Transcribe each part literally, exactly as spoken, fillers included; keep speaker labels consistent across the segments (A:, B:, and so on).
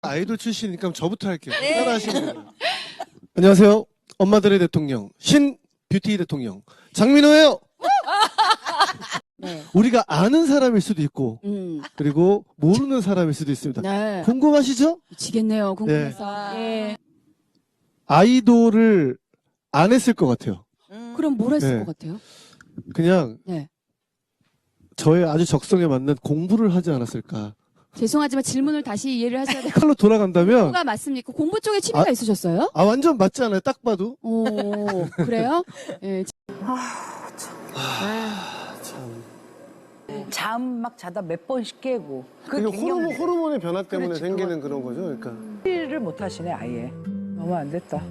A: 아이돌 출신이니까 저부터 할게요. 따라하시면 돼요. 안녕하세요. 엄마들의 대통령, 신 뷰티 대통령 장민호예요.
B: 네.
A: 우리가 아는 사람일 수도 있고
B: 음.
A: 그리고 모르는 사람일 수도 있습니다.
B: 네.
A: 궁금하시죠?
B: 미치겠네요. 궁금해서. 예.
A: 아이돌을 안 했을 것 같아요.
B: 그럼 뭘 했을
A: 네.
B: 것 같아요?
A: 그냥
B: 네.
A: 저의 아주 적성에 맞는 공부를 하지 않았을까.
B: 죄송하지만 질문을 다시 이해를 하셔야 돼요.
A: 칼로 돌아간다면
B: 공부가 맞습니까? 공부 쪽에 취미가
A: 아,
B: 있으셨어요?
A: 아 완전 맞지 않아요? 딱 봐도.
B: 오, 그래요? 예.
C: 잠 막 자다 몇 번씩 깨고 그
A: 이게
C: 갱년기
A: 호르몬, 호르몬의 변화 때문에
C: 그렇지,
A: 생기는 그런 거죠. 그러니까.
C: 일을 못 하시네 아예. 너무 안 됐다.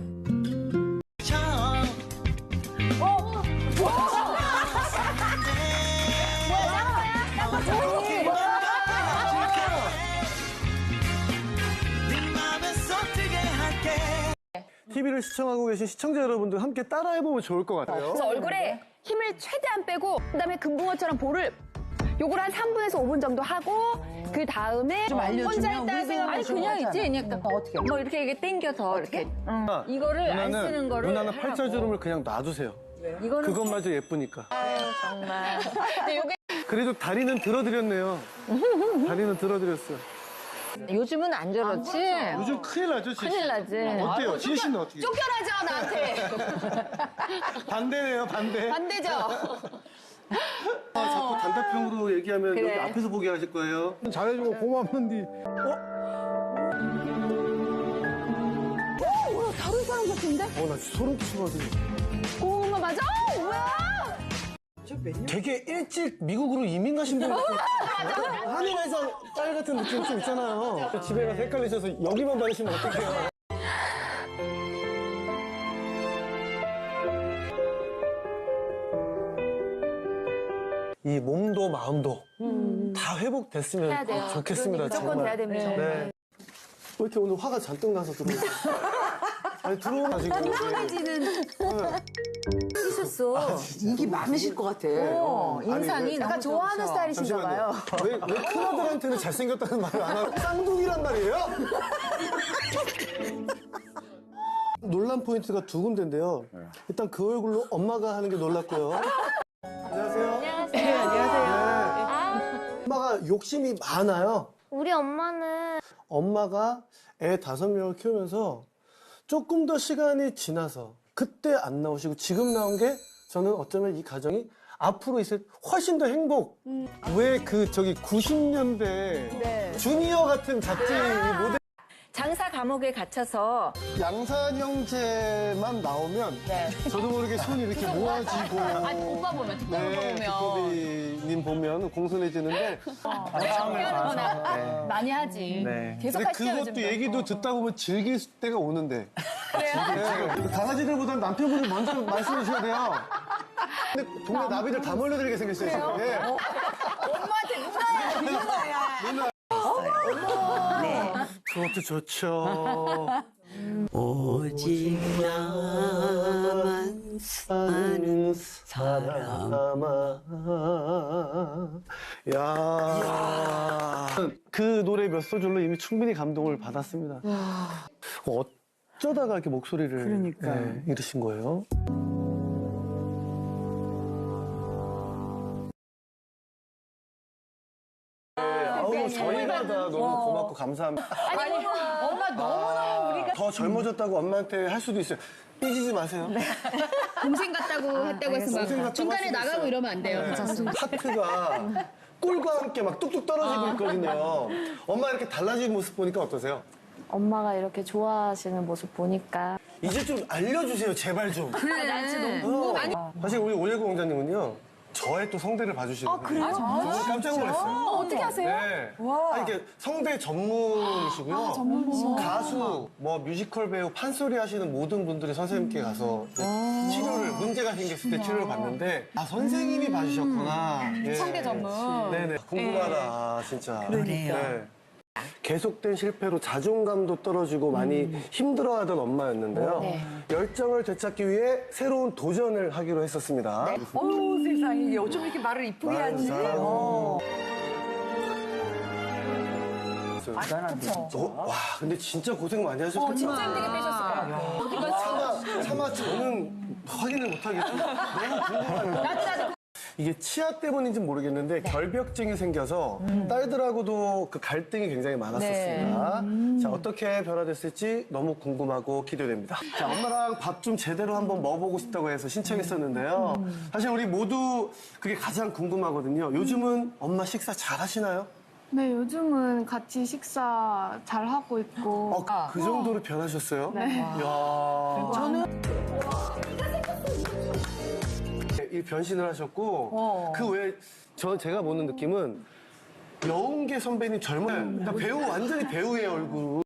A: 티비를 시청하고 계신 시청자 여러분들 함께 따라해보면 좋을 것 같아요.
D: 그래서 얼굴에 힘을 최대한 빼고 그다음에 금붕어처럼 볼을 요걸 한 삼 분에서 오 분 정도 하고 그 다음에
C: 좀 알려주면
D: 혼자 있다
C: 우리
D: 생각 아니
C: 생각하시는
D: 그냥
C: 거잖아.
D: 있지 그냥
C: 어떻게?
D: 뭐 이렇게 이렇게 당겨서 이렇게 이거를 안 쓰는 거를
A: 누나는
D: 하라고.
A: 팔자주름을 그냥 놔두세요.
D: 이거는
A: 그것마저 예쁘니까.
D: 정말 근데 요게
A: 그래도 다리는 들어드렸네요. 다리는 들어드렸어요.
D: 요즘은 안 저렇지
A: 요즘 큰일 나죠, 지혜 씨?
D: 큰일 나지
A: 어때요? 지혜 씨는 어떻게?
D: 쫓겨나죠 나한테
A: 반대네요, 반대.
D: 반대죠
A: 아, 자꾸 단답형으로 얘기하면
D: 그래.
A: 여기 앞에서 보게 하실 거예요. 잘해주고 고맙는데. 어?
D: 오 다른 사람 같은데
A: 어, 나 소름 끼쳐가지고.
D: 오 맞아 어, 뭐야
A: 되게 일찍 미국으로 이민 가신 분 같은 한일에서 딸 같은 느낌 좀 있잖아요. 집에 가서 헷갈리셔서 여기만 받으시면 어떡해요. 이 몸도 마음도 다 회복됐으면
D: 해야 돼요
A: 좋겠습니다.
D: 무조건
A: 정말.
D: 돼야 됩니다
A: 네. 왜 이렇게 오늘 화가 잔뜩 나서 들어오세요? 아니 들어오면 지금
D: 끈끈해지는 있었어
C: 인기 많으실 것 같아.
D: 어, 인상이
A: 왜-
D: 너무
E: 약간 좋아하는
D: 좋으셔.
E: 스타일이신가 봐요.
A: 왜, 왜 큰아들한테는 잘생겼다는 말을 안 하고 쌍둥이란 말이에요? 논란 포인트가 두 군데인데요. 일단 그 얼굴로 엄마가 하는 게 놀랐고요. 안녕하세요.
D: 네, 안녕하세요.
A: 네. 엄마가 욕심이 많아요.
E: 우리 엄마는
A: 엄마가 애 다섯 명을 키우면서 조금 더 시간이 지나서 그때 안 나오시고 지금 나온 게 저는 어쩌면 이 가정이 앞으로 있을 훨씬 더 행복. 왜 그 저기 구십 년대 주니어 같은 잡지 모델
D: 장사 감옥에 갇혀서
A: 양산 형제만 나오면 저도 모르게 손이 이렇게 모아지고
D: 아니, 오빠 보면, 두꺼비
A: 네,
D: 보면.
A: 두꺼비님 보면 공손해지는데
D: 네. 많이 하지. 계속
A: 근데
D: 하시죠,
A: 그것도
D: 요즘도.
A: 얘기도 듣다 보면 즐길 때가 오는데 네, 강아지들보다는 남편분이 먼저 말씀해 주셔야 돼요. 근데 동네 나비들 다 몰려들게 생겼어요 지금. 예.
D: 엄마한테 누나야, 누나야.
A: 그것도 좋죠.
F: 오직 나만 사는
A: 사람아. 야. 그 노래 몇 소절로 이미 충분히 감동을 받았습니다. 어쩌다가 이렇게 목소리를
C: 그러니까.
A: 네, 잃으신 거예요? 아우, 저희가 다 너무 고맙고 감사합니다.
D: 아니, 엄마 너무너무 우리가
A: 더 젊어졌다고 엄마한테 할 수도 있어요. 삐지지 마세요.
D: 동생 같다고 했다고 해서
A: 동생
D: 막
A: 같다고
D: 중간에
A: 할 수도
D: 나가고
A: 있어요.
D: 이러면 안 돼요.
A: 네. 하트가 꿀과 함께 막 뚝뚝 떨어지고 있거든요. 엄마 이렇게 달라진 모습 보니까 어떠세요?
E: 엄마가 이렇게 좋아하시는 모습 보니까
A: 이제 좀 알려주세요, 제발 좀.
D: 그래, 나 진짜 너무 아니
A: 사실 우리 오일구 공장님은요. 저의 또 성대를 봐주시거든요. 아, 그래요? 정말 깜짝 놀랐어요.
E: 어, 어떻게 하세요?
A: 네. 아, 이게 성대 전문이시고요. 전문이시고. 가수, 뭐 뮤지컬 배우, 판소리 하시는 모든 분들이 선생님께 가서 이제 치료를, 문제가 생겼을 때 치료를 받는데, 아, 선생님이 봐주셨구나. 예.
D: 성대 전문.
A: 네네. 궁금하다, 진짜.
F: 그래요.
A: 네. 계속된 실패로 자존감도 떨어지고 많이 힘들어하던 엄마였는데요. 열정을 되찾기 위해 새로운 도전을 하기로 했었습니다.
C: 어우 세상에 어쩜 이렇게 말을 이쁘게
A: 많은
C: 하지?
A: 사랑.
C: 어. 대단한데, 진짜.
A: 어, 와, 근데 진짜 고생 많이 하셨겠다.
D: 어, 진짜 힘들게 빼셨을 것 같아요.
A: 차마, 차마 저는 확인을 못하겠어요. 너무 궁금하다. 이게 치아 때문인지 모르겠는데 결벽증이 생겨서 딸들하고도 그 갈등이 굉장히 많았었습니다. 자, 어떻게 변화됐을지 너무 궁금하고 기대됩니다. 자, 엄마랑 밥 좀 제대로 한번 먹어보고 싶다고 해서 신청했었는데요. 사실 우리 모두 그게 가장 궁금하거든요. 요즘은 엄마 식사 잘 하시나요?
E: 네, 요즘은 같이 식사 잘 하고 있고.
A: 어, 그 정도로 변하셨어요?
E: 네.
A: 이야.
C: 저는
A: 이 변신을 하셨고
C: 어.
A: 그 외에 저 제가 보는 느낌은 여운계 선배님 젊어요. 그러니까 배우 완전히 배우의 얼굴.